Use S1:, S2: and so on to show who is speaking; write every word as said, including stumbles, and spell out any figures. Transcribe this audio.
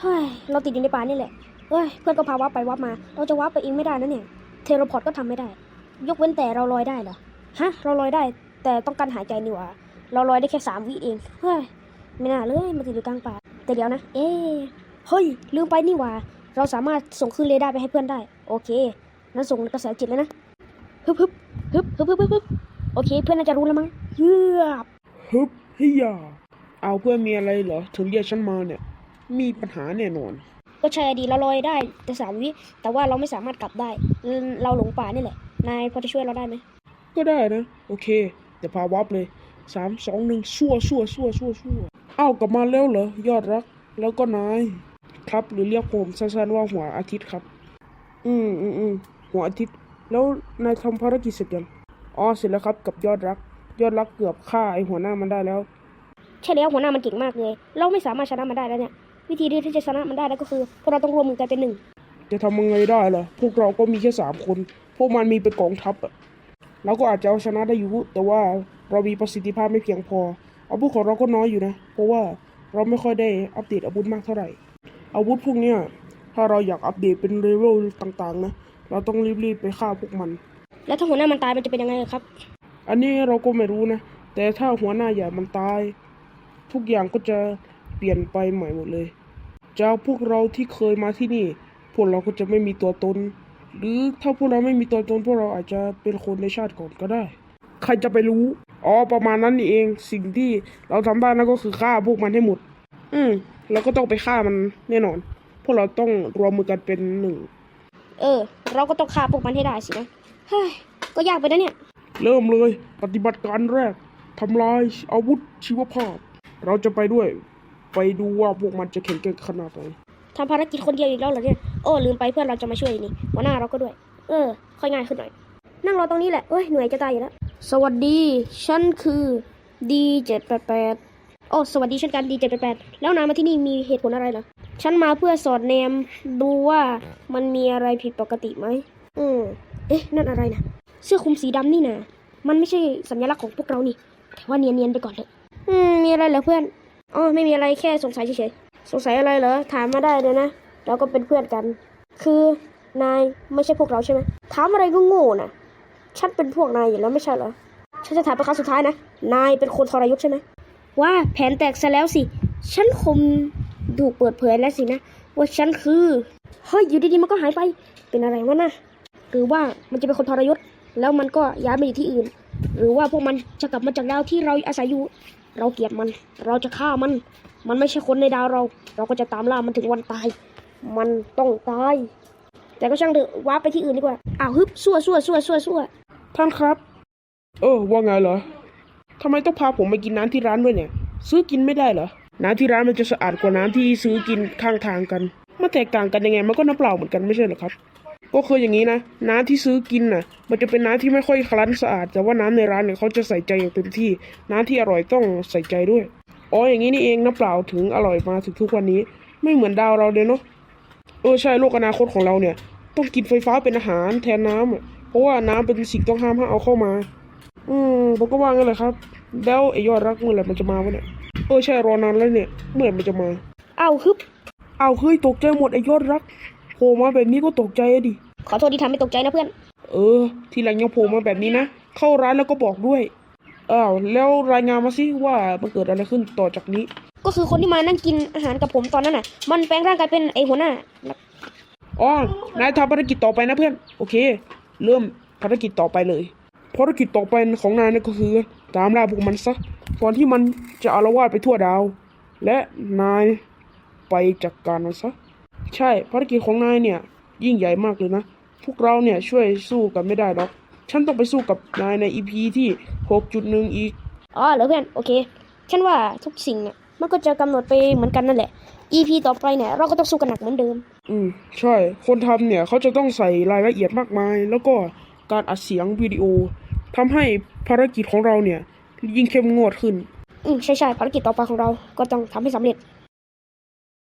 S1: เฮ้ยเราติดอยู่ในป่านี่แหละเฮ้ยเพื่อนก็พาวับไปวับมาเราจะวับไปเองไม่ได้นะเนี่ยเทเลพอร์ตก็ทำไม่ได้ยกเว้นแต่เราลอยได้เหรอฮะเราลอยได้แต่ต้องการหายใจนี่หว่าเราลอยได้แค่สามวิเองเฮ้ยไม่น่าเลยมาติดอยู่กลางป่าแต่เดี๋ยวนะเอ๊ะเฮ้ยลืมไปนี่หว่าเราสามารถส่งคลื่นเรดาร์ไปให้เพื่อนได้โอเคนั้นส่งกระแสจิตเลยนะฮึบฮึบฮึบฮึบฮึบฮึบฮึบโอเคเพื่อนน่าจะรู้แล้วมั้งเยือบ
S2: ฮึบเฮียเอาเพื่อนมีอะไรเหรอถึงเรียกฉันมาเนี่ยมีปัญหาแน่นอน
S1: ก็ใช่ดีเราลอยได้แต่สามวิแต่ว่าเราไม่สามารถกลับได้เราหลงป่านี่แหละนายพอจะช่วยเราได้ไหม
S2: ก็ได้นะโอเคเดี๋ยวพาวับเลยสามสองหนึ่งชั่วชั่วชั่วชั่วชั่วเอ้ากลับมาแล้วเหรอยอดรักแล้วก็นายครับหรือเรียกผมสั้นๆว่าหัวอาทิตย์ครับอืมอืมอืมหัวอาทิตย์แล้วนายทำภารกิจเสร็จยังอ๋อเสร็จแล้วครับกับยอดรักยอดรักเกือบฆ่าไอหัวหน้ามันได้แล้ว
S1: ใช่แล้วหัวหน้ามันเก่งมากเลยเราไม่สามารถชนะมันได้แล้วเนี่ยวิธีเดียวที่จะชนะมันได้แล้วก็คือพวกเราต้องรวมมือกันเป็นหนึ่ง
S2: จะทำยังไงได้ล่ะพวกเราก็มีแค่สามคนพวกมันมีเป็นกองทัพอะเราก็อาจจะเอาชนะได้อยู่แต่ว่าเรามีประสิทธิภาพไม่เพียงพออาวุธของเราก็น้อยอยู่นะเพราะว่าเราไม่ค่อยได้อัปเดตอาวุธมากเท่าไหร่อาวุธพวกเนี้ยถ้าเราอยากอัปเดตเป็นเลเวลต่างๆนะเราต้องรีบๆไปฆ่าพวกมัน
S1: แล้วถ้าหัวหน้ามันตายมันจะเป็นยังไงครับ
S2: อันนี้เราก็ไม่รู้นะแต่ถ้าหัวหน้าใหญ่มันตายทุกอย่างก็จะเปลี่ยนไปใหม่หมดเลยจากพวกเราที่เคยมาที่นี่พวกเราก็จะไม่มีตัวตนหรือถ้าพวกเราไม่มีตัวตนพวกเราอาจจะเป็นคนในชาติก่อนก็ได้ใครจะไปรู้อ๋อประมาณนั้นนี่เองสิ่งที่เราทำได้นั่นก็คือฆ่าพวกมันให้หมดอืมเราก็ต้องไปฆ่ามันแน่นอนพวกเราต้องรวมมือกันเป็นหนึ่ง
S1: เออเราก็ต้องฆ่าพวกมันให้ได้สินะเฮ้ยก็ยากไปนะเนี่ย
S2: เริ่มเลยปฏิบัติการแรกทำลายอาวุธชีวภาพเราจะไปด้วยไปดูว่าพวกมันจะแข็งแกร่งขนาดไหน
S1: ทำภารกิจคนเดียวอีกแล้วเหรอเนี่ยโอ้ลืมไปเพื่อนเราจะมาช่วยนี่หัวหน้าเราก็ด้วยเออค่อยง่ายขึ้นหน่อยนั่งรอตรงนี้แหละเอ้ยเหนื่อยจะตายอยู่แล้วสวัสดีฉันคือ ดี เจ็ดแปดแปด โอ้สวัสดีเช่นกัน ดี เจ็ดแปดแปด แล้วนายมาที่นี่มีเหตุผลอะไรเหรอฉันมาเพื่อสอดแนมดูว่ามันมีอะไรผิดปกติไหมอืมเอ๊ะนั่นอะไรนะเสื้อคลุมสีดำนี่นะมันไม่ใช่สัญลักษณ์ของพวกเรานี่แต่ว่าเนียนๆไปก่อนเถอะอืมมีอะไรเหรอเพื่อนอ๋อไม่มีอะไรแค่สงสัยเฉยๆสงสัยอะไรเหรอถามมาได้เลยนะเราก็เป็นเพื่อนกันคือนายไม่ใช่พวกเราใช่ไหมถามอะไรก็โง่น่ะฉันเป็นพวกนายอยู่แล้วไม่ใช่เหรอฉันจะถามเป็นครั้งสุดท้ายนะนายเป็นคนทรยศใช่ไหมว่าแผนแตกซะแล้วสิฉันคงถูกเปิดเผยแล้วสินะว่าฉันคือเฮ้ยอยู่ดีๆมันก็หายไปเป็นอะไรวะนะหรือว่ามันจะเป็นคนทรยศแล้วมันก็ย้ายมาอยู่ที่อื่นหรือว่าพวกมันจะกลับมาจากดาวที่เราอาศัยอยู่เราเกลียดมันเราจะฆ่ามันมันไม่ใช่คนในดาวเราเราก็จะตามล่ามันถึงวันตายมันต้องตายแต่ก็ช่างเถอะว้าไปที่อื่นดีกว่าอ้าวฮึบซั่วซั่วซั่วซั่วซั่ว
S2: ท่านครับเออว่าไงเหรอทำไมต้องพาผมไปกินน้ำที่ร้านด้วยเนี่ยซื้อกินไม่ได้เหรอน้ำที่ร้านมันจะสะอาดกว่าน้ำที่ซื้อกินข้างทางกันมันแตกต่างกันยังไงมันก็น้ำเปล่าเหมือนกันไม่ใช่เหรอครับก็คืออย่างนี้นะน้ำที่ซื้อกินน่ะมันจะเป็นน้ำที่ไม่ค่อยคลั้นสะอาดแต่ว่าน้ำในร้านเนี่ยเขาจะใส่ใจอย่างเต็มที่น้ำที่อร่อยต้องใส่ใจด้วยอ๋ออย่างนี้นี่เองน้ำเปล่าถึงอร่อยมาถึงทุกวันนี้ไม่เหมือนดาวเราเลยเนาะเออใช่โลกอนาคตของเราเนี่ยต้องกินไฟฟ้าเป็นอาหารแทนน้ำอ่ะเพราะว่าน้ำเป็นสิ่งต้องห้ามห้ามเอาเข้ามาอืมผมก็ว่างั้นแหละครับแล้วไอ้ยอดรักเมื่อไหร่มันจะมาวะเนี่ยเออใช่รอนานแล้วเนี่ยเมื่อไหร่มันจะมา
S1: อ้าวฮึบ
S2: อ้าวเฮ้ยตกใจหมดไอ้ยอดรักโผล่มาแบบนี้ก็ตกใจอะดิ
S1: ขอโทษที่ทำให้ตกใจนะเพื่อน
S2: เออทีหลังยังโผล่มาแบบนี้นะเข้าร้านแล้วก็บอกด้วยอ้าวแล้วรายงานมาสิว่ามันเกิดอะไรขึ้นต่อจากนี้
S1: ก็คือคนที่มานั่งกินอาหารกับผมตอนนั้นน่ะมันแปลงร่างกายเป็นไอหัวหน้า
S2: อ๋อนายทำภารกิจต่อไปนะเพื่อนโอเคเริ่มภารกิจต่อไปเลยภารกิจต่อไปของนายนั่นก็คือตามล่าพวกมันซะก่อนที่มันจะอาละวาดไปทั่วดาวและนายไปจัดการมันซะใช่ภารกิจของนายเนี่ยยิ่งใหญ่มากเลยนะพวกเราเนี่ยช่วยสู้กันไม่ได้หรอกฉันต้องไปสู้กับนายใน อี พี ที่ หกจุดหนึ่ง อีก
S1: อ๋อเหรอเพื่อนโอเคฉันว่าทุกสิ่งเนี่ยมันก็จะกำหนดไปเหมือนกันนั่นแหละ อี พี ต่อไปเนี่ยเราก็ต้องสู้กันหนักเหมือนเดิม
S2: อืมใช่คนทำเนี่ยเขาจะต้องใส่รายละเอียดมากมายแล้วก็การอัดเสียงวิดีโอทำให้ภารกิจของเราเนี่ยยิ่งเข้มงวดขึ้น
S1: อืมใช่ใช่ภารกิจต่อไปของเราก็ต้องทำให้สำเร็จ